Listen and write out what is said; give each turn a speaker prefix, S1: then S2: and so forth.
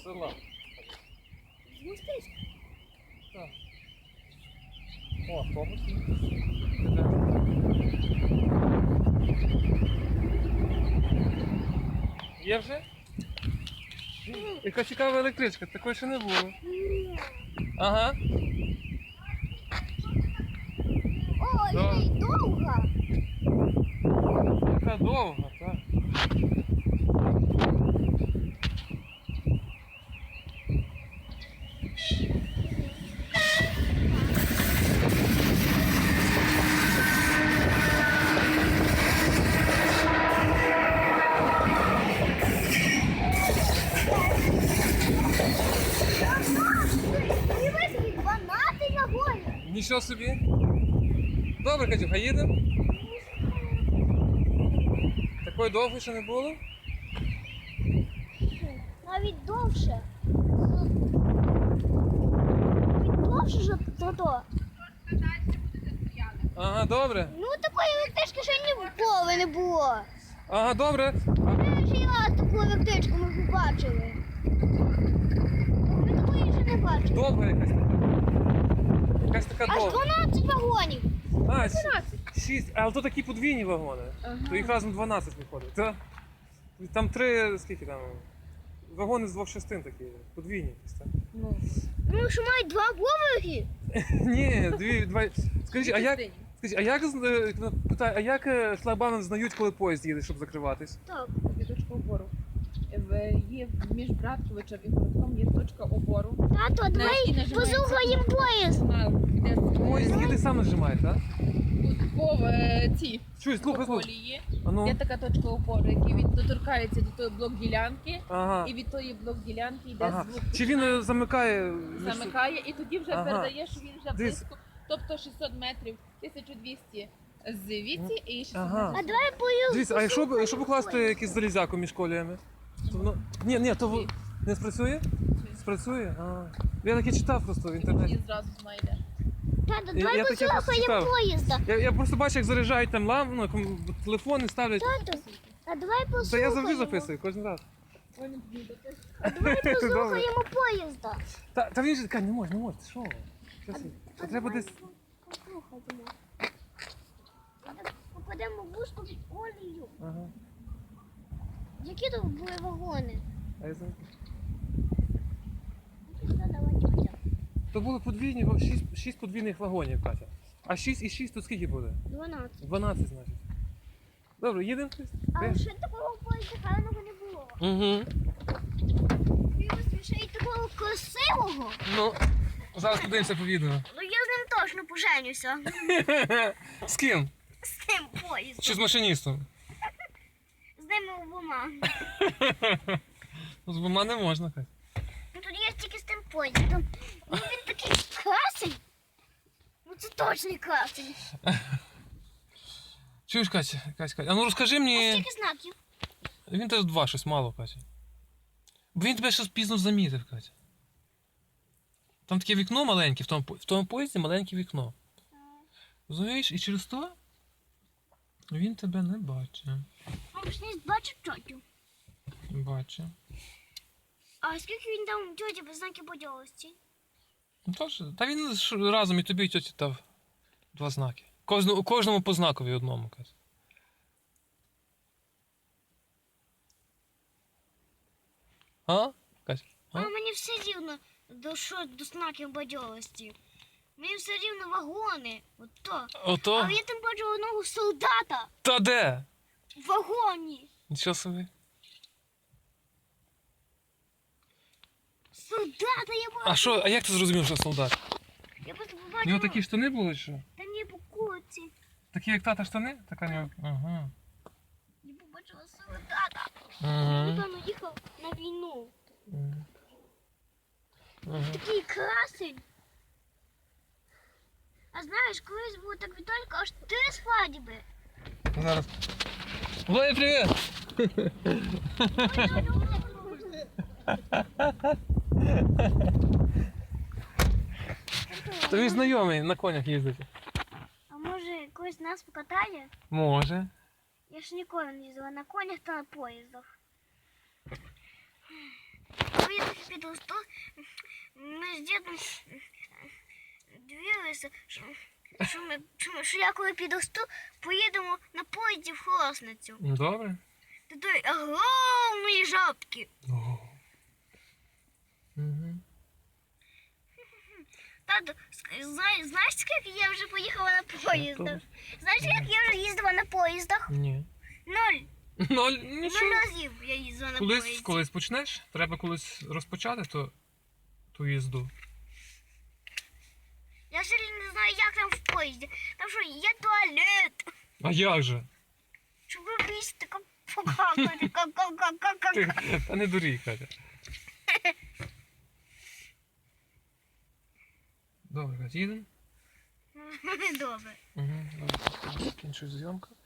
S1: села.
S2: З Мостиська.
S1: Так. О, автобус. Є вже? Яка цікава електричка, такої ще не було.
S2: Ні.
S1: Ага.
S2: О,
S1: Да.
S2: і довга.
S1: Яка довга, так.
S2: Мені висить 12 вагонів.
S1: Нічого собі. Добре, Катюха, їдемо? Такої довгої ще не було?
S2: Навіть довше. Навіть довше за то.
S1: Ага, добре.
S2: Ну такої електрички ще ніколи не було.
S1: Ага, добре.
S2: Перший раз таку електричку ми побачили. Ми такої ще не бачили.
S1: Довга якась така. Якась така
S2: Аж
S1: довга.
S2: 12 вагонів.
S1: А, 6. Але то такі подвійні вагони. То їх разом 12 виходить. Там 3, скільки там? Вагони з 2 частин такі, подвійні якісь, так?
S2: Ну що мають 2 поверхи?
S1: Ні, два. Скажіть, а як питаю, а як шлагбаум знають, коли поїзд їде, щоб закриватись?
S2: Так.
S3: Є точка опору. Є між Братковичем і Городком є точка опору.
S2: Тато, давай послухаємо поїзд.
S1: Поїзд їде сам нажимає, так?
S3: По цій
S1: Чуй, слухай.
S3: колії
S1: А ну.
S3: є така точка опору, який доторкається до тої блок-ділянки,
S1: Ага.
S3: і від тої блок-ділянки йде
S1: Ага.
S3: звук.
S1: Чи він замикає?
S3: Замикає, і тоді вже
S1: Ага.
S3: передає, що він вже
S1: Дивись.
S3: близько. Тобто 600 метрів, 1200 звідси і 600
S1: Ага.
S2: А
S3: метрів.
S2: давай поїзд.
S1: Дивіться, а якщо покласти якийсь залізяку між коліями? То воно... Ні, то не спрацює? Спрацює? А. Я таке читав просто в
S3: І
S1: інтернеті.
S3: зразу знайде.
S2: Тато,
S1: Я
S2: давай
S1: таке просто
S2: послухаємо
S1: читав.
S2: поїзда.
S1: Я просто бачу, як заряджають там телефони ставлять.
S2: Тато, а давай
S1: Та
S2: послухаємо.
S1: я завжди записую, кожен раз.
S2: А давай послухаємо поїзда.
S1: Та він же каже, не може, ти що? Та треба десь.
S2: Послухаємо. Попадемо в вузьку під колію.
S1: Ага.
S2: Які тут були вагони?
S1: А я знаю.
S2: Давай, тьотя.
S1: То було подвійні, 6 подвійних вагонів, Катя. А 6 і 6 то скільки буде?
S2: 12.
S1: 12, значить. Добре, їдемо?
S2: А ще такого поїзда гарного не було.
S1: Угу.
S2: Ще й такого красивого.
S1: Ну, зараз подивимося по відео.
S2: Ну я з ним точно поженюся.
S1: З ким?
S2: З тим поїздом.
S1: Чи з машиністом?
S2: З ними обома.
S1: Ну, з двома не можна, Катя.
S2: Ну тоді я тільки з тим поїздом. Ну він такий красень. Ну це точно красень.
S1: Чуєш, Катя? А ну розкажи
S2: А
S1: мені.
S2: скільки знаків?
S1: Він теж 2, щось мало, Катя. Бо він тебе щось пізно замітив, Катя. Там таке вікно маленьке, в тому поїзді маленьке вікно. Розумієш? І через то він тебе не бачить.
S2: А ж не бачив тьотю.
S1: Бачить.
S2: А скільки він дав тьоті без знаків поділості?
S1: Ну, тож, та він разом і тобі і тьоті дав 2 знаки. Кожному по знакові одному, Катя. А? Катя?
S2: А мені все рівно до знаків бадьорості. Мені все рівно вагони. Ото.
S1: Ото?
S2: Але я там бачу одного солдата
S1: Та де?
S2: в вагоні.
S1: Нічого собі.
S2: Солдата я бачу.
S1: А що, а як ти зрозумів, що солдат?
S2: Я просто
S1: У
S2: побачила.
S1: нього такі штани були, що?
S2: Та ні, по курці.
S1: Такі, як тата штани? Така нього. Ага.
S2: Я побачила солдата.
S1: Ага.
S2: Напевно, їхав на війну.
S1: Ага.
S2: Такий красень. А знаєш, колись було так Віталька аж 3 свадьби.
S1: Зараз. Влади, привіт! То він знайомий, на конях їздить.
S2: А може когось нас покатає?
S1: Може.
S2: Я ж ніколи не їздила на конях та на поїздах. поїздах під Ростов, ми з дідом дивилися, що я коли підросту, поїдемо на поїзді в Холосницю.
S1: Добре.
S2: До тої огромної жабки.
S1: Угу.
S2: Тато, знаєш, скільки я вже поїхала на поїздах? Знаєш, як я вже їздила на поїздах?
S1: Ні.
S2: 0.
S1: 0,
S2: 0
S1: нічого.
S2: разів я їздила на поїзді.
S1: Колись почнеш, треба колись розпочати ту їзду.
S2: Я ще не знаю, як там в поїзді. Там що, є туалет.
S1: А як же?
S2: Щоб робити таке покакати. Ка-ка-ка-ка-ка.
S1: Та не дурій, Катя. Добре, Катя, їдемо?
S2: Добре.
S1: Угу. Закінчуй зйомку.